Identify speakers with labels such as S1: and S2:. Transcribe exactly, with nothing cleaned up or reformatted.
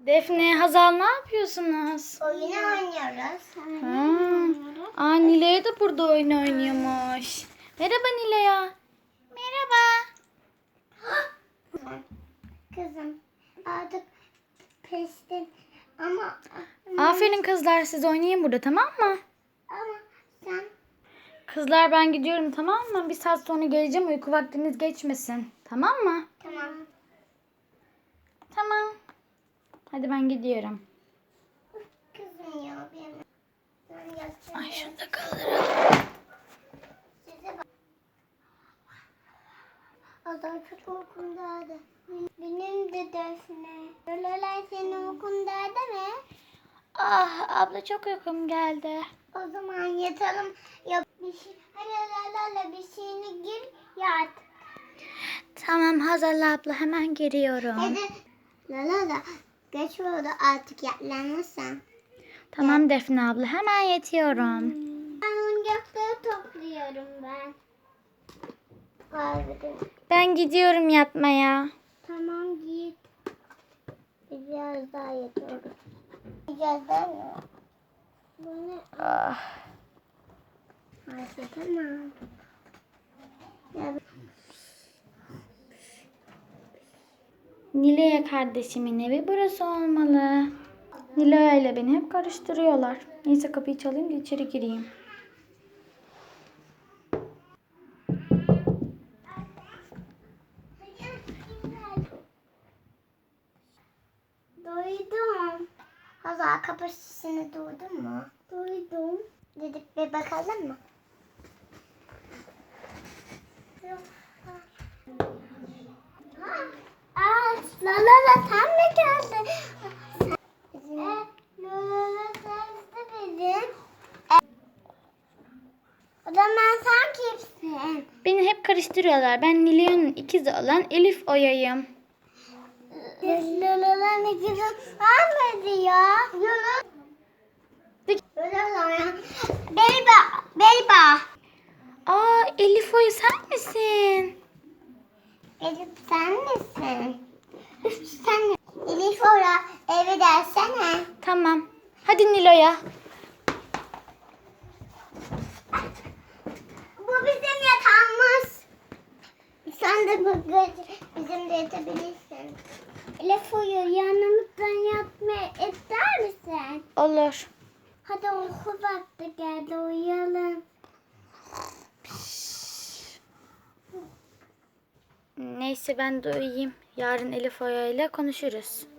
S1: Defne, Hazal ne yapıyorsunuz?
S2: Oyunu oynuyoruz.
S1: Ha. Aa, Nilay'a da burada oyun oynuyormuş. Merhaba Nilay'a. Merhaba.
S2: Kızım artık pestin ama
S1: Aferin kızlar, siz oynayın burada, tamam mı?
S2: ama sen
S1: Kızlar ben gidiyorum, tamam mı? Bir saat sonra geleceğim, uyku vaktiniz geçmesin. Tamam mı?
S2: tamam.
S1: Tamam. Hadi ben gidiyorum.
S2: Kızım ya benim. Ben yatacağım.
S1: Ay şunu da kaldıralım.
S2: Size bak. Adam çok uykundaydı. Benim de Defne. Öleler senin uykundaydı mı?
S1: Ah abla, çok uykum geldi.
S2: O zaman yatalım. Ya bir şey. Hadi la la la bir şeyini gir yat.
S1: Tamam Hazal abla, hemen geliyorum.
S2: Hadi la la la. Geç oldu artık yatlanırsan.
S1: Tamam Defne abla, hemen yatıyorum.
S2: Ben oyuncakları topluyorum ben. Harbiden.
S1: Ben gidiyorum yatmaya.
S2: Tamam git. Biraz daha yatıyorum. Biraz daha mı? Bu ne?
S1: Ah.
S2: Hadi tamam. Ya,
S1: Nilay kardeşimin evi burası olmalı. Nilay ile beni hep karıştırıyorlar. Neyse kapıyı çalayım da içeri gireyim.
S2: duydum. Hazal kapı sesini duydun mu? Duydum. Gidip bir bakalım mı? Aa, la la la sen mi geldin? E, la la la sensin bizim. E, o zaman sen kimsin?
S1: Beni hep karıştırıyorlar. Ben Nilay'ın ikizi olan Elif Oya'yım.
S2: La la la ne gibi var mıydı ya? La la. La la ya. Beyba, beyba.
S1: Aa, Elif Oya sen misin?
S2: Elif sen misin? Üf, sen mi? Elif ora eve gelsene.
S1: Tamam. Hadi Nilay'a.
S2: Bu bizim yatağımız. Sen de bu gece bizimle yatabilirsin. Elif uyuyor. Yanımızdan yatmaya ister misin?
S1: Olur.
S2: Hadi uyku vakti geldi. Uyuyalım.
S1: Neyse ben de uyuyayım. Yarın Elif Oya ile konuşuruz.